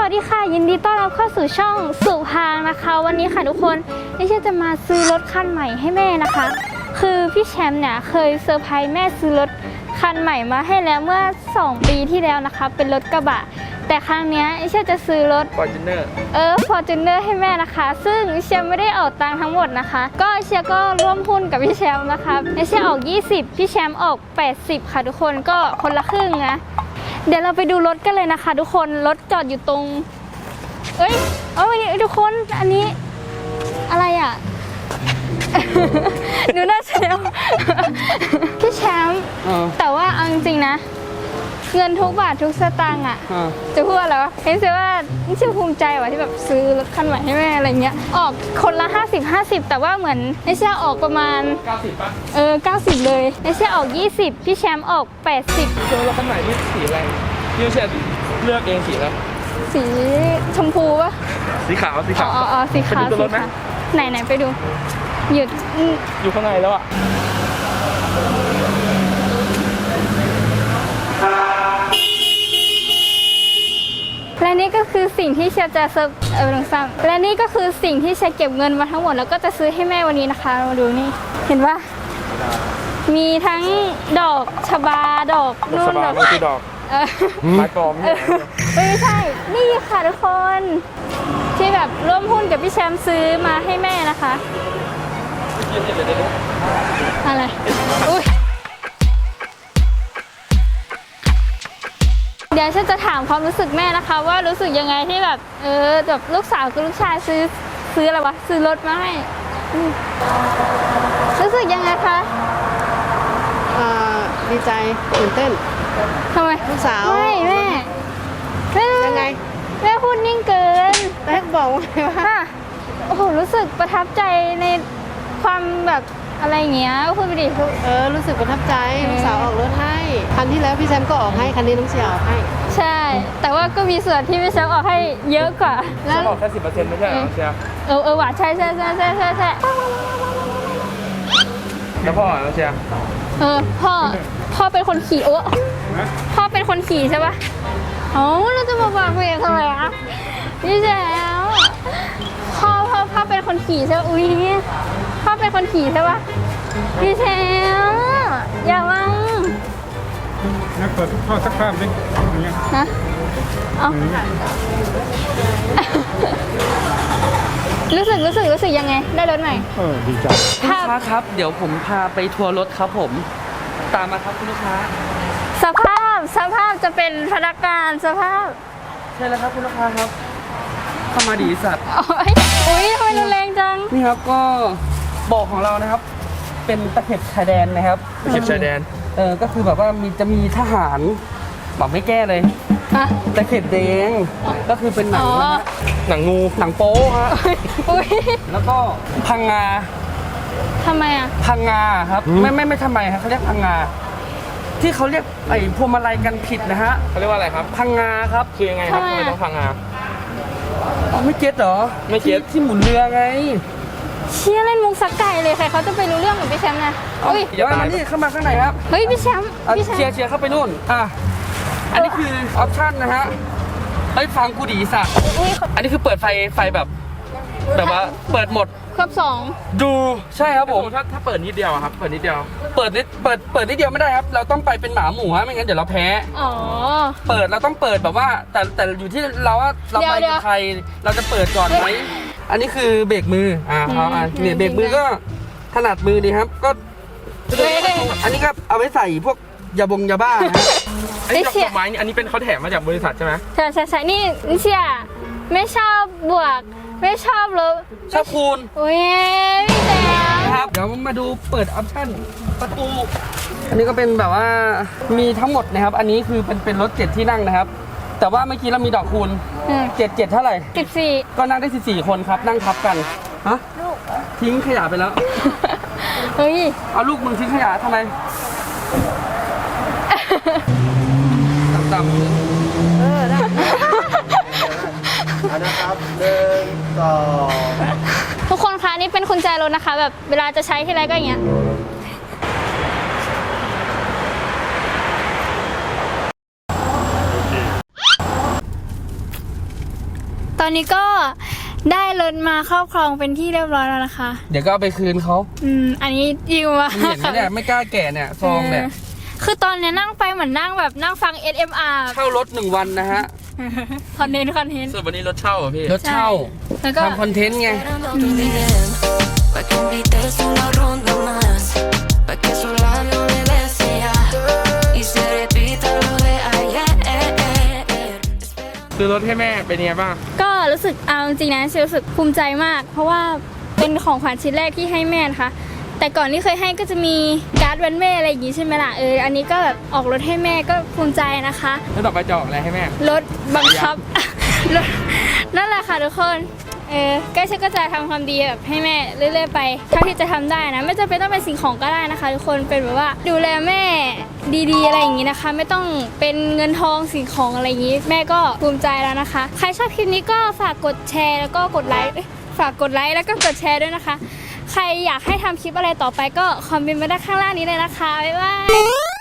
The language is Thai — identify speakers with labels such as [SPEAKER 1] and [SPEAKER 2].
[SPEAKER 1] วัสดีค่ะยินดีต้อนรับเข้าสู่ช่องสุพางนะคะวันนี้ค่ะทุกคนดิฉันจะมาซื้อรถคันใหม่ให้แม่นะคะคือพี่แชมป์เนี่ยเคยเซอร์ไพรส์แม่ซื้อรถคันใหม่มาให้แล้วเมื่อ2 ปีที่แล้วนะคะเป็นรถกระบะแต่ครั้งนี้ดิฉันจะซื้อรถ
[SPEAKER 2] Fortuner
[SPEAKER 1] Fortuner ให้แม่นะคะซึ่งดิฉันไม่ได้ออกตังค์ทั้งหมดนะคะก็ดิฉันก็ร่วมหุ้นกับพี่แชมป์นะคะดิฉันออก20พี่แชมป์ออก80ค่ะทุกคนก็คนละครึ่งนะเดี๋ยวเราไปดูรถกันเลยนะคะทุกคนรถจอดอยู่ตรงทุกคนอันนี้อะไรอ่ะ ดูน่าเสียว พี่แชมป์แต่ว่าเอาจริงๆนะเงินทุกบาททุกสตางค์อ่ะจะพูดอะไรวะเห็นสิว่านี่ชื่อภูมิใจว่ะที่แบบซื้อรถคันใหม่ให้แม่อะไรเงี้ยออกคนละ50แต่ว่าเหมือนไอเชี่ยออกประมาณ
[SPEAKER 2] 90ป่ะ
[SPEAKER 1] 90เลยไอเชี่ยออก20พี่แชมป์ออก80
[SPEAKER 2] รถคันใหม่นี่สีอะไรพี่เชี่ยเลือกเองสีแล้ว
[SPEAKER 1] สีชมพูป่ะ
[SPEAKER 2] สีขาวสีขาว
[SPEAKER 1] สีขาว
[SPEAKER 2] ไปดูรถไหม
[SPEAKER 1] ไหนไปดู
[SPEAKER 2] อยู่ข้างในแล้วอ่ะ
[SPEAKER 1] และนี่ก็คือสิ่งที่เชียจะเซอร์ลงซ้ำและนี่ก็คือสิ่งที่เชียเก็บเงินมาทั้งหมดแล้วก็จะซื้อให้แม่วันนี้นะคะมาดูนี่เห็นว่ามีทั้งดอกชบาดอกนู่นดอก
[SPEAKER 2] คือดอกไม้ปลอม
[SPEAKER 1] ไม่ใช่นี่ค่ะทุกคนที่แบบร่วมหุ้นกับพี่แชมป์ซื้อมาให้แม่นะคะอะไรอุ้ยเดี๋ยวฉันจะถามความรู้สึกแม่นะคะว่ารู้สึกยังไงที่แบบแบบลูกสาวกับลูกชายซื้ออะไรวะซื้อรถมาให้รู้สึกยังไงคะ
[SPEAKER 3] ดีใจตื่นเต้น
[SPEAKER 1] ทำไม
[SPEAKER 3] ลูกสาว
[SPEAKER 1] ไม่แม่
[SPEAKER 3] ยังไง
[SPEAKER 1] แม่พูดนิ่งเกิน
[SPEAKER 3] แม่บอกว่า
[SPEAKER 1] โอ้โหรู้สึกประทับใจในความแบบอะไรเงี้ยพูดไปดิ
[SPEAKER 3] รู้สึกประทับใจลูกสาวออกรถให้คันที่แล้วพี่แซมก็ออกให้คันนี้น้องเชียร์ออกให้
[SPEAKER 1] ใช่แต่ว่าก็มีส่วนที่พี่แซมออกให้เยอะกว่า
[SPEAKER 2] แล้วออกแค่10%ไม่ใช่เหรอเชียร์
[SPEAKER 1] ว่ะใช่
[SPEAKER 2] แล้วพ่อเชียร์
[SPEAKER 1] พ่อเป็นคนขี่พ่อเป็นคนขี่ใช่ปะเราจะมาบอกเพลงทำไมอ่ะพี่แซมพ่อเป็นคนขี่ใช่ปะอุ้ยพ่อเป็นคนขี่ใช่ปะพี่แซมอย่าวัง
[SPEAKER 4] งั้นเปิดพ่อสักภาพดิอย่างเงี้ย
[SPEAKER 1] นะรู้สึกยังไงได้รถใหม่
[SPEAKER 4] ดีใจ
[SPEAKER 2] คุณลูกค้าครับเดี๋ยวผมพาไปทัวร์รถครับผมตามมาครับคุณลูกค้า
[SPEAKER 1] สภาพจะเป็นพนักงานสภาพ
[SPEAKER 2] ใช่แล้วครับคุณลูกค้าครับเข้ามาดีสัตว์
[SPEAKER 1] อุ้ยทำไมรุนแรงจัง
[SPEAKER 2] นี่ครับก็บอกของเรานะครับเป็นตะเข็บชายแดนนะครับตะเข็บชายแดนก็คือแบบว่าจะมีทหารบอกไม่แก้เลยตะเข็บแดงก็คือเป็นหนังนะหนังงูหนังโป๊ฮะแล้วก็พังงา
[SPEAKER 1] ทำไมอ่ะ
[SPEAKER 2] พังงาครับไม่ทำไมครับเขาเรียกพังงาที่เขาเรียกไอ้พวงมาลัยกันผิดนะฮะเขาเรียกว่าอะไรครับพังงาครับคือยังไงครับทำไมต้องพังงาไม่เก็ตเหรอไม่เก็ตที่หมุนเรือไง
[SPEAKER 1] เชี่ยเล่นมุกสักไก่เลยใครเขาจะไปรู้เรื่องกับพี่แชมป์นะ
[SPEAKER 2] เดี๋ยวมานี่เข้ามาข้างในครับ
[SPEAKER 1] เฮ้ยพี่แชมป์
[SPEAKER 2] เชียร์เข้าไปนู่นอันนี้คือออปชั่นนะฮะเฮ้ยฟังกูดีสักอันนี้คือเปิดไฟแบบว่าเปิดหมด
[SPEAKER 1] ครบ2
[SPEAKER 2] ดูใช่ครับผมถ้าเปิดนิดเดียวครับเปิดนิดเดียวเปิดนิดเดียวไม่ได้ครับเราต้องไปเป็นหมาหมูฮะไม่งั้นเดี๋ยวเราแพ้เปิดเราต้องเปิดแบบว่าแต่อยู่ที่เราว่าเราไปกับใครเราจะเปิดก่อนไหมอันนี้คือเบรกมือเนี่ยเบรกมือก็ถนัดมือดีครับก็อันนี้ก็เอาไว้ใส่พวกยาบ้านะอันนี้ดอกไม้นี่อันนี้เป็นเขาแถมมาจากบริษัทใช่ไหม
[SPEAKER 1] ใช่นี่เชียไม่ชอบบวกไม่ชอบลบ
[SPEAKER 2] ชอบคูณ
[SPEAKER 1] อุ้ยพี่แซม
[SPEAKER 2] ครับเดี๋ยวมาดูเปิดออปชั่นประตูอันนี้ก็เป็นแบบว่ามีทั้งหมดนะครับอันนี้คือเป็นรถ7ที่นั่งนะครับแต่ว่าเมื่อกี้เรามีดอกคูณ7เท่าไหร่
[SPEAKER 1] 14
[SPEAKER 2] ก็นั่งได้14คนครับนั่งทับกันฮะทิ้งขยะไปแล้ว
[SPEAKER 1] เฮ้ย
[SPEAKER 2] เอาลูกมึงทิ้งขยะทำไมต่ำ
[SPEAKER 3] ได้นะครับ1 2
[SPEAKER 1] ทุกคนคะนี่เป็นกุญแจรถนะคะแบบเวลาจะใช้ที่ไรก็อย่างเงี้ยตอนนี้ก็ได้รถมาครอบครองเป็นที่เรียบร้อยแล้วนะคะ
[SPEAKER 2] เดี๋ยวก็เอาไปคืนเขา
[SPEAKER 1] อันนี้ยิวมา
[SPEAKER 2] เห็นไหมเนี่ยไม่กล้าแกะเนี่ยซองเนี่ย
[SPEAKER 1] คือตอนเนี้ยนั่งไปเหมือนนั่งแบบนั่งฟัง SMR
[SPEAKER 2] เช่ารถ1 วันนะฮะ
[SPEAKER 1] คอนเทนต์
[SPEAKER 5] ส่วนวันนี้รถเช่าเหรอพี่
[SPEAKER 2] รถเช่า
[SPEAKER 1] แล้วก็
[SPEAKER 2] ทำคอนเทนต์ไง
[SPEAKER 6] Pa' que invites una ronda más, pa' que esos labios me besen ya y se repita lo de ayer.
[SPEAKER 5] ซื้อรถให้แม่เป็นยังไงบ้าง
[SPEAKER 1] ก็รู้สึกเอาจริงๆนะรู้สึกภูมิใจมาก เพราะว่าเป็นของขวัญชิ้นแรกที่ให้แม่นะคะแต่ก่อนที่เคยให้ก็จะมีการ์ดวันแม่อะไรอย่างงี้ใช่ไหมล่ะอันนี้ก็แบบออกรถให้แม่ก็ภูมิใจนะคะ
[SPEAKER 5] แล้วต่อไปจะออกอะไรให้แม่
[SPEAKER 1] รถบังคับ รถนั่นแหละค่ะทุกคนก็ฉันก็จะทำความดีแบบให้แม่เรื่อยๆไปเท่าที่จะทำได้นะไม่จำเป็นต้องเป็นสิ่งของก็ได้นะคะทุกคนเป็นแบบว่าดูแลแม่ดีๆอะไรอย่างนี้นะคะ ไม่ต้องเป็นเงินทองสิ่งของอะไรอย่างนี้ แม่ก็ภูมิใจแล้วนะคะ ใครชอบคลิปนี้ก็ฝากกดแชร์แล้วก็กดไลค์ฝากกดไลค์แล้วก็กดแชร์ด้วยนะคะ ใครอยากให้ทำคลิปอะไรต่อไปก็คอมเมนต์มาได้ข้างล่างนี้เลยนะคะบ๊ายบาย